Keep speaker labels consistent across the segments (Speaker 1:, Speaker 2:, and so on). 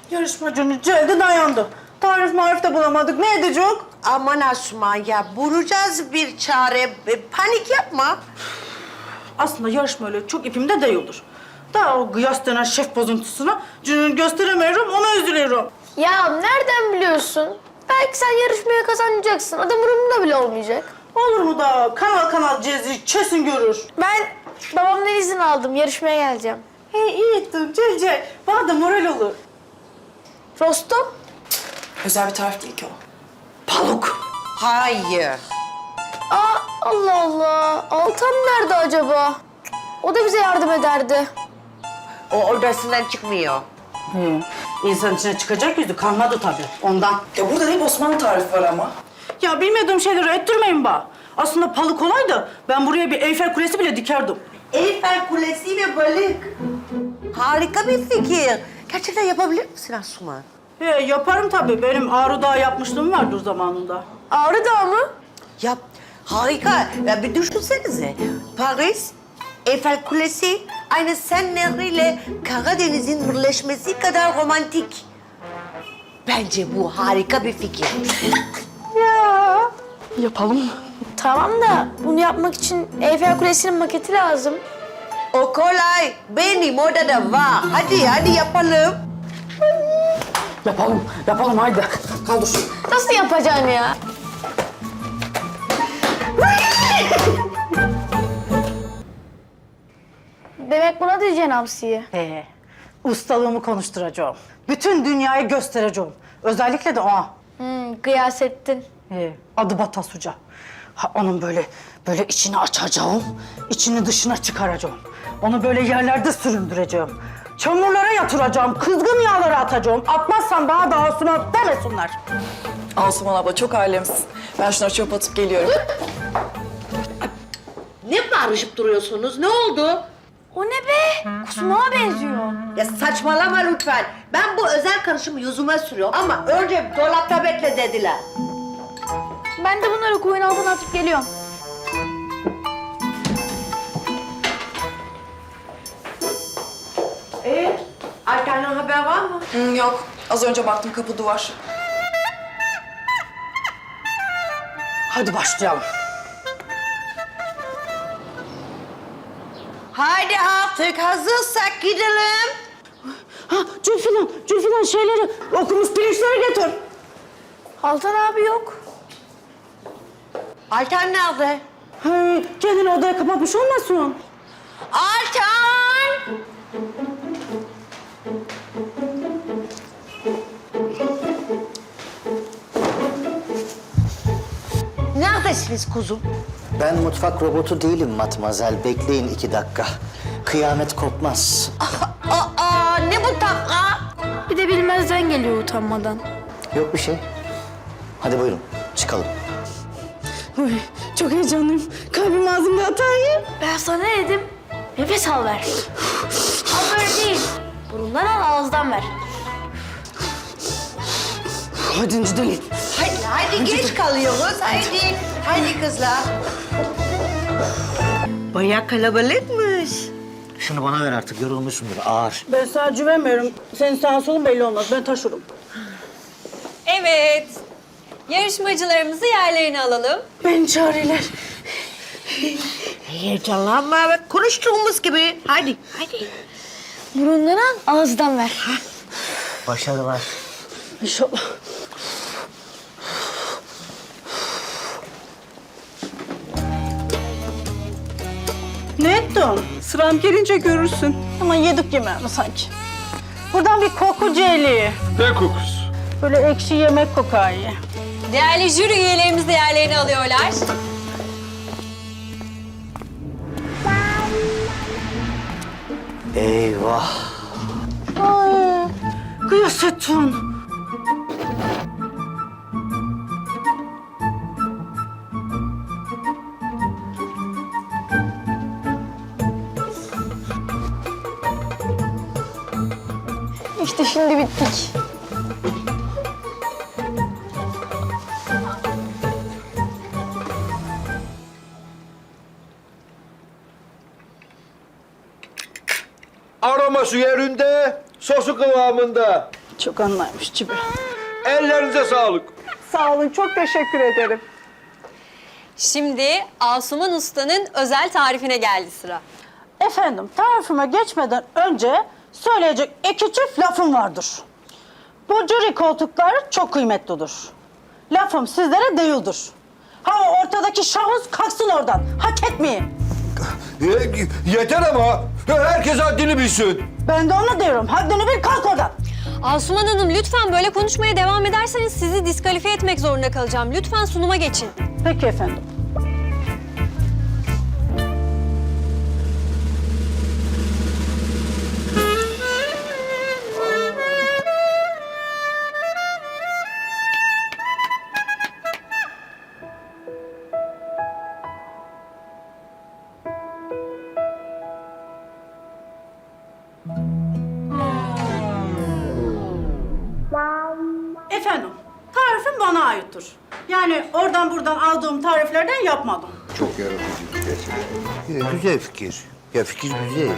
Speaker 1: Yarışmacının cildi dayandı. Tarif marif de bulamadık. Ne edecek?
Speaker 2: Aman Asuman ya, bulacağız bir çare. Panik yapma.
Speaker 1: Aslında yarışma öyle çok ipimde değildir. Daha o kıyas denen şef bozuntusuna cününü gösteremiyorum, ona üzülüyorum.
Speaker 3: Ya nereden biliyorsun? Belki sen yarışmaya kazanacaksın. Adam umurumda bile olmayacak.
Speaker 1: Olur mu da kanal kanal cezi kesin görür.
Speaker 3: Ben babamdan izin aldım. Yarışmaya geleceğim.
Speaker 1: İyi ettin Cece. Bana da moral olur.
Speaker 3: Rostom?
Speaker 4: Özel bir tarif değil ki o.
Speaker 1: Paluk.
Speaker 2: Hayır.
Speaker 3: Aa, Allah Allah. Altan nerede acaba? O da bize yardım ederdi.
Speaker 2: O odasından çıkmıyor.
Speaker 1: İnsan içine çıkacak yüzü kalmadı tabii ondan.
Speaker 4: Ya burada hep Osmanlı tarifi var ama.
Speaker 1: Ya bilmediğim şeyleri ettirmeyin bana. Aslında paluk olaydı. Ben buraya bir Eyfel Kulesi bile dikerdim.
Speaker 2: Eyfel Kulesi ve balık. Harika bir fikir. Gerçekten yapabilir misin Asuman?
Speaker 1: Yaparım tabii. Benim Ağrı Dağı yapmışlığım vardır zamanında.
Speaker 3: Ağrı Dağı mı?
Speaker 2: Yap. Harika. Ya bir düşünsenize. Paris, Eyfel Kulesi aynı Sen Nehri ile Karadeniz'in birleşmesi kadar romantik. Bence bu harika bir fikir.
Speaker 1: Yapalım.
Speaker 3: Tamam da bunu yapmak için Eyfel Kulesi'nin maketi lazım.
Speaker 2: O kolay. Benim odada var. Hadi yapalım.
Speaker 1: Yapalım haydi. Kaldır.
Speaker 3: Nasıl yapacaksın ya? Demek buna diyeceksin hamsiyi.
Speaker 1: Ustalığımı konuşturacağım. Bütün dünyaya göstereceğim. Özellikle de ona.
Speaker 3: Gıyasettin.
Speaker 1: Adı Batas Hoca. Onun böyle içini açacağım, içini dışına çıkaracağım. Onu böyle yerlerde süründüreceğim. Çamurlara yatıracağım, kızgın yağlara atacağım. Atmazsan bana da Asuman demesinler.
Speaker 4: Asuman abla çok alemsin. Ben şunları çöp atıp geliyorum.
Speaker 2: Ne bağırışıp duruyorsunuz? Ne oldu?
Speaker 3: O ne be? Kusumağa benziyor.
Speaker 2: Ya saçmalama lütfen. Ben bu özel karışımı yüzüme sürüyorum ama önce dolapta bekle dediler.
Speaker 3: Ben de bunları koyun altına atıp geliyorum.
Speaker 2: Altan'dan haber var mı?
Speaker 4: Yok. Az önce baktım kapı duvar.
Speaker 1: Hadi başlayalım.
Speaker 2: Haydi artık hazırsak gidelim.
Speaker 1: Zülfilan şeyleri, okumuş pirinçleri getir.
Speaker 3: Altan abi yok.
Speaker 2: Altan nerede?
Speaker 1: Kendini odaya kapatmış olmasın?
Speaker 2: Altan! Neredesiniz kuzum?
Speaker 5: Ben mutfak robotu değilim matmazel. Bekleyin 2 dakika. Kıyamet kopmaz.
Speaker 2: Aa, ne bu taka?
Speaker 3: Bir de bilmezden geliyor utanmadan.
Speaker 5: Yok bir şey. Hadi buyurun çıkalım.
Speaker 1: Çok heyecanlıyım. Kalbim ağzımda atar.
Speaker 3: Ben sana ne dedim? Nefes al ver. Al böyle değil. Burundan al, ağızdan ver.
Speaker 1: Hadi gidelim.
Speaker 2: Haydi geç kalıyoruz. Haydi kızlar. Bayağı kalabalıkmış.
Speaker 5: Şunu bana ver artık yorulmuşumdur ağır.
Speaker 1: Ben sana güvenmiyorum. Senin sağın solun belli olmaz. Ben taşırım.
Speaker 6: Evet. Yarışmacılarımızı yerlerine alalım.
Speaker 1: Beni çağırıyorlar.
Speaker 2: Heyecanlanma. Konuştuğumuz gibi. Haydi.
Speaker 3: Burundan al, ağızdan ver.
Speaker 5: Başarılar.
Speaker 1: İnşallah. Ne ettin? Sıram gelince görürsün. Ama yedik yemeğini sanki. Buradan bir koku celi.
Speaker 7: Ne kokusu?
Speaker 1: Böyle ekşi yemek kokar.
Speaker 6: Değerli jüri üyelerimiz de yerlerini alıyorlar.
Speaker 5: Eyvah.
Speaker 1: Ay, kıyasettin.
Speaker 3: İşte şimdi bittik.
Speaker 7: Aroması yerinde, sosu kıvamında.
Speaker 1: Çok anlaymış Cibi.
Speaker 7: Ellerinize sağlık.
Speaker 1: Sağ olun, çok teşekkür ederim.
Speaker 6: Şimdi Asuman Usta'nın özel tarifine geldi sıra.
Speaker 1: Efendim, tarifime geçmeden önce söyleyecek iki çift lafım vardır. Bu jüri koltukları çok kıymetlidir. Lafım sizlere değildir. Ha o ortadaki şahıs kalksın oradan. Hak etmeyin.
Speaker 7: Yeter ama. Herkes haddini bilsin.
Speaker 1: Ben de onu diyorum. Haddini bil, kalk oradan.
Speaker 6: Asuman Hanım lütfen böyle konuşmaya devam ederseniz sizi diskalifiye etmek zorunda kalacağım. Lütfen sunuma geçin.
Speaker 1: Peki efendim. Efendim, tarifim bana aittir. Yani oradan buradan aldığım tariflerden yapmadım.
Speaker 7: Çok yaratıcı gerçekten. Güzel fikir. Ya fikir güzel.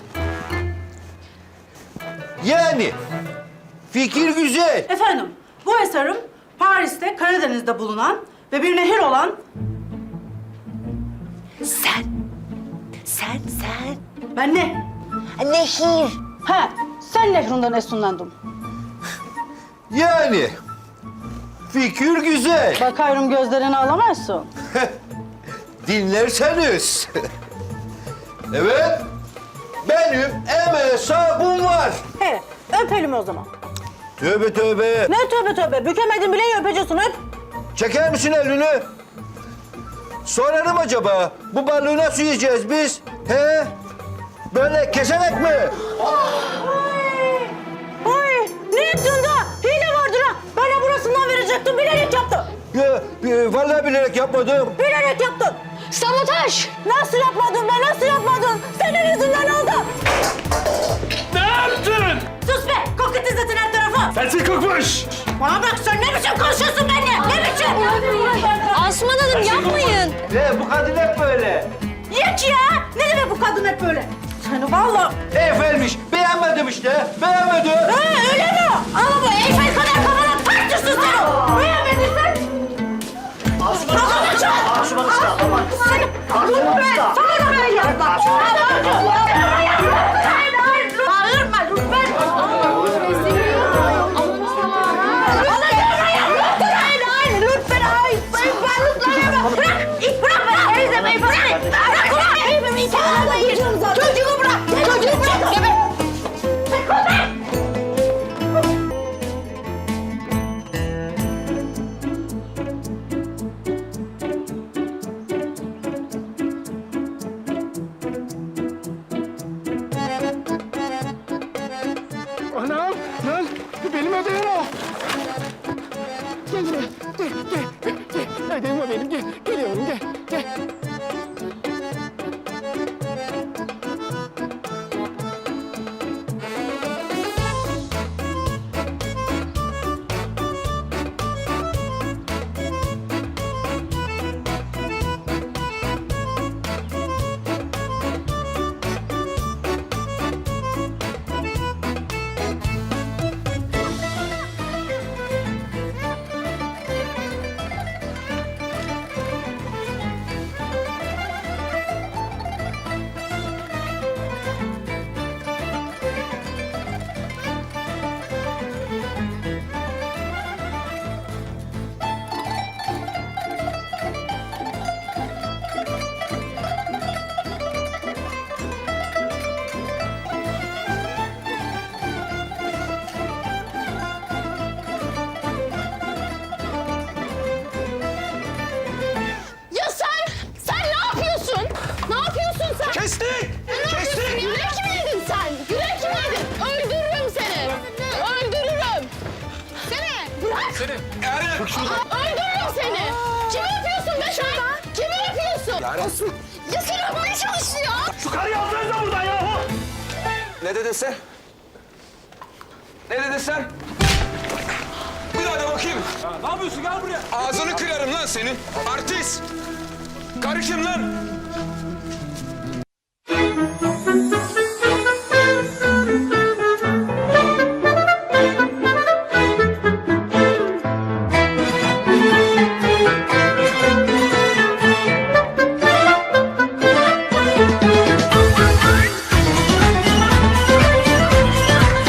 Speaker 7: Yani fikir güzel.
Speaker 1: Efendim, bu eserim Paris'te, Karadeniz'de bulunan ve bir nehir olan...
Speaker 2: Sen.
Speaker 1: Ben ne?
Speaker 2: Nehir.
Speaker 1: He, sen nehrinden esinlendim.
Speaker 7: Yani fikir güzel.
Speaker 1: Bakıyorum gözlerini alamazsın.
Speaker 7: Dinlerseniz. Evet. Benim hesabım var.
Speaker 1: He, öpelim o zaman.
Speaker 7: Tövbe tövbe.
Speaker 1: Ne tövbe tövbe, bükemedin bile öpeceksin, öp.
Speaker 7: Çeker misin elini? Sorarım acaba, bu balığı nasıl yiyeceğiz biz? He? Böyle keserek mi?
Speaker 1: Ay, ne yaptın da? Hile vardır ha. Bana burasından verecektin, bilerek yaptın.
Speaker 7: Ya, vallahi bilerek yapmadım.
Speaker 1: Bilerek yaptın. Sabotaj. Nasıl yapmadın be, nasıl yapmadın? Senin yüzünden oldu.
Speaker 8: Ne yaptın?
Speaker 1: Sus be, kokut izletin her tarafı.
Speaker 8: Sensin kokmuş.
Speaker 1: Bana bak, sen ne biçim konuşuyorsun benimle? Ne biçim?
Speaker 6: Asuman Hanım yapmayın.
Speaker 7: Bu kadın hep böyle.
Speaker 1: Yok ya! Ne demek bu kadın hep böyle? Seni vallahi...
Speaker 7: Efendim, beğenmedim işte, beğenmedim.
Speaker 1: Ha, öyle mi? Ama bu Eyfel kadar kafana tartışsın seni! Beğenmedin sen! Kafana çal! Asuman Usta, aman! Seni... Lütfen! Sana da ben yapma! Bağırma lütfen! Hayır, lütfen! Hayır! Bırak! Bırak beni! Teyzemeyi bırak! Bırak ulan! Evimi kenara yiyeceğim zaten! Çocuğu bırak! Çocuğu bırak! Geber!
Speaker 8: Anam, lan benim ödevim o. Gel buraya, gel. Ödevim o benim, gel. Geliyorum, gel.
Speaker 3: Ya sen ne yapıyorsun? Ne yapıyorsun sen?
Speaker 8: Kestik!
Speaker 3: Kestik! Yürek mi yedin sen? Yürek mi yedin? Öldürürüm seni. Öldürürüm. Seni. Bırak.
Speaker 8: Seni, Eren!
Speaker 3: Öldürürüm seni. Kimi öpüyorsun be sen? Kimi öpüyorsun? Ya seni öpmeye çalışıyor.
Speaker 8: Şu karıyı alsanıza buradan yahu!
Speaker 9: Ne dedin sen? Ne dedin sen? Bir daha da bakayım.
Speaker 8: Ne yapıyorsun? Gel buraya.
Speaker 9: Ağzını kırarım lan senin. Artist. Karı kim lan?